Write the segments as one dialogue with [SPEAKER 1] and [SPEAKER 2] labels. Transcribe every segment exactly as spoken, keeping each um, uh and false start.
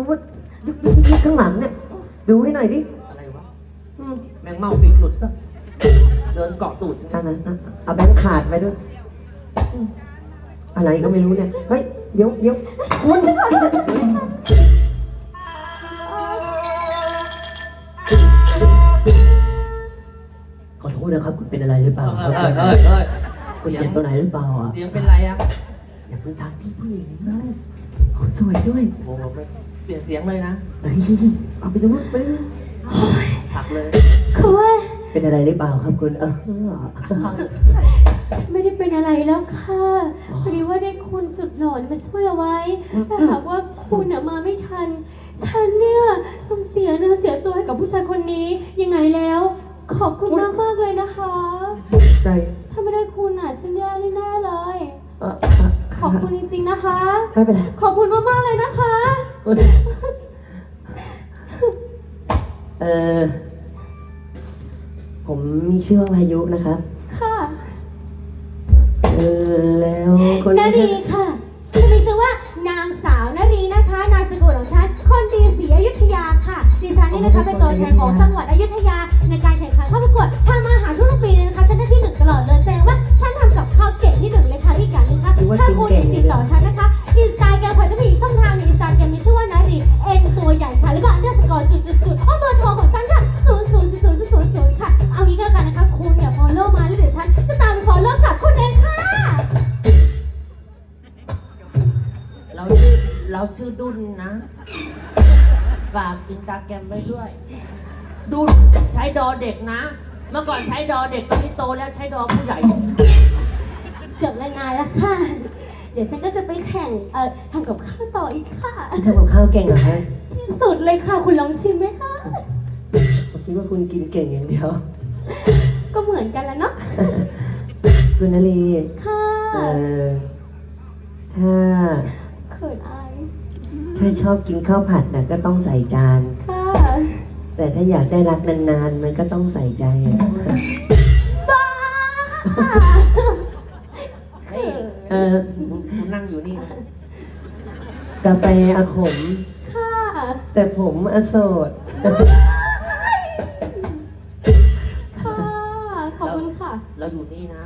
[SPEAKER 1] ว่ายุบยุบยุบข้างหลังเนี่ยดูให้หน่อยดิ
[SPEAKER 2] อะไรวะ
[SPEAKER 1] อืม
[SPEAKER 2] แมงเม่าปีกหลุดก็เดินเกาะตูด
[SPEAKER 1] อันนั้นอ่ะเอาแบงค์ขาดไปด้วยอืมอะไรก็ไม่รู้เนี่ยเฮ้ยเดี๋ยวเดี๋ยวคุณขอโทษนะครับคุณเป็นอะไรหรือเปล่า
[SPEAKER 2] เอ
[SPEAKER 1] ครั
[SPEAKER 2] อบ เออเออเออ
[SPEAKER 1] คุณเจ็บตัวไหนหรือเปล่าอ่ะ
[SPEAKER 2] เสียงเป็นไรอ่ะ
[SPEAKER 1] อย่าเพิ่งทักที่ผู้หญิงนะเขาสวยด้วย
[SPEAKER 2] โอ้โหไม่เปลี่ยนเสียงเลยนะ
[SPEAKER 1] เฮ้ยเอาไปดูไปดู
[SPEAKER 2] ผักเลย
[SPEAKER 3] คือว่า
[SPEAKER 1] เป็นอะไรหรือเปล่าครับคุณเออ
[SPEAKER 3] ไม่ได้เป็นอะไรแล้วค่ะพอดีว่าได้คุณสุดหล่อมาช่วยเอาไว้ถ้าหากว่าคุณอะมาไม่ทัน ฉันเนี่ยต้องเสียเนื้อเสียตัวให้กับผู้ชายคนนี้ยังไงแล้ว ขอบคุณมากมากๆเลยนะคะ
[SPEAKER 1] ใจ
[SPEAKER 3] ถ้าไม่ได้คุณอะฉันแย่แน่ๆเลย
[SPEAKER 1] เออ
[SPEAKER 3] ขอบคุณจริงๆนะคะ
[SPEAKER 1] ไม่เป็นไร
[SPEAKER 3] ขอบคุณมากๆเลยนะคะ
[SPEAKER 1] เออผมมีชื่อว่าพายุนะครับ
[SPEAKER 3] ค่ะ
[SPEAKER 1] เออแล้วคน
[SPEAKER 3] นารีค่ะจะมีชื่อว่านางสาวนารีนะคะ นามสกุลของฉันคนดีศรีอยุธยาค่ะดิฉันนี่นะคะเป็นตัวแทนของจังหวัดอยุธยาในการแข่งขันเข้าประกวดทางมาหาทุกปีเลยนะคะฉันได้ที่หนึ่งตลอดเลยแสดงว่าฉันทำกับข้าวเก่งที่หนึ่งเลยค่ะที่การนึงค่ะถ้าคุณติดต่อฉันนะคะอินสตาแกรมค่ะจะมีอีกช่องทางในอินสตาแกรมมีชื่อว่านารีเอ็นตัวใหญ่ค่ะแล้วก็อันเดอร์สกอร์จุดจุดจุดข้อเบอร์โทรของฉันค่ะศูนย์ศูนย์ศูนย์ศูนย์ศูนย์ศูนย์ค่ะเอางี้ก็แล้วกันนะคะคุณอย่า follow มาแล้วเดี๋ยวฉันจะตามไป follow กลับคุณเองค่ะ
[SPEAKER 2] เราชื่อเราชื่อดุนนะฝากอินสตาแกรมไว้ด้วย ดุนใช้ดอเด็กนะ เมื่อก่อนใช้ดอเด็กตอนนี้โตแล้วใช้ดอผู้ใหญ่
[SPEAKER 3] จบรายงานแล้วค่ะ เดี๋ยวฉันก็จะไปแข่ง เอ่อทำกับข้าวต่ออีกค่ะ
[SPEAKER 1] ทำกับข้าวเก่งเหรอฮะ
[SPEAKER 3] ที่สุดเลยค่ะ คุณลองชิมไหมคะ
[SPEAKER 1] ผมคิดว่าคุณกินเก่งอย่างเดียว
[SPEAKER 3] ก็เหมือนกันแล้วเนาะ
[SPEAKER 1] คุณนลี
[SPEAKER 3] ค่ะ
[SPEAKER 1] เอ่อถ้า
[SPEAKER 3] เขินอาย
[SPEAKER 1] ถ้าชอบกินข้าวผัดน่ะก็ต้องใส่จาน
[SPEAKER 3] ค่ะ
[SPEAKER 1] แต่ถ้าอยากได้รักนานๆ มันก็ต้องใส่ใจอะ
[SPEAKER 3] บ้า
[SPEAKER 2] เฮ้ย
[SPEAKER 1] เออ
[SPEAKER 2] คุณนั่งอยู่นี่นะ
[SPEAKER 1] กาแฟอาขม
[SPEAKER 3] ค่ะ
[SPEAKER 1] แต่ผมอโสด
[SPEAKER 3] ค่ะ ขอบคุณค่ะ
[SPEAKER 2] เราอยู่นี่นะ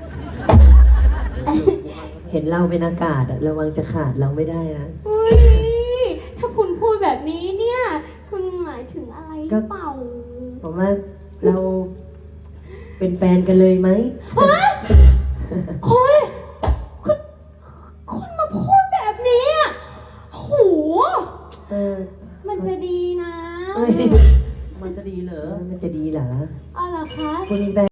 [SPEAKER 1] เห็นเราเป็นอากาศอะระวังจะขาดเราไม่ได้นะ
[SPEAKER 3] อุ้ย ถ้าคุณพูดแบบนี้เนี่ย คุณหมายถึงอะไรหรือเปล่า
[SPEAKER 1] ผมว่าเราเป็นแฟนกันเลยไหม
[SPEAKER 3] โอ้ยคุณ คุณมาพูดแบบนี้อ่ะโห
[SPEAKER 1] เออ
[SPEAKER 3] มันจะดีนะ
[SPEAKER 1] เอ้ย
[SPEAKER 2] มันจะดีเหรอ
[SPEAKER 1] มันจะดีเหรอ
[SPEAKER 3] เอาเหรอคะ
[SPEAKER 1] คุณมีแฟน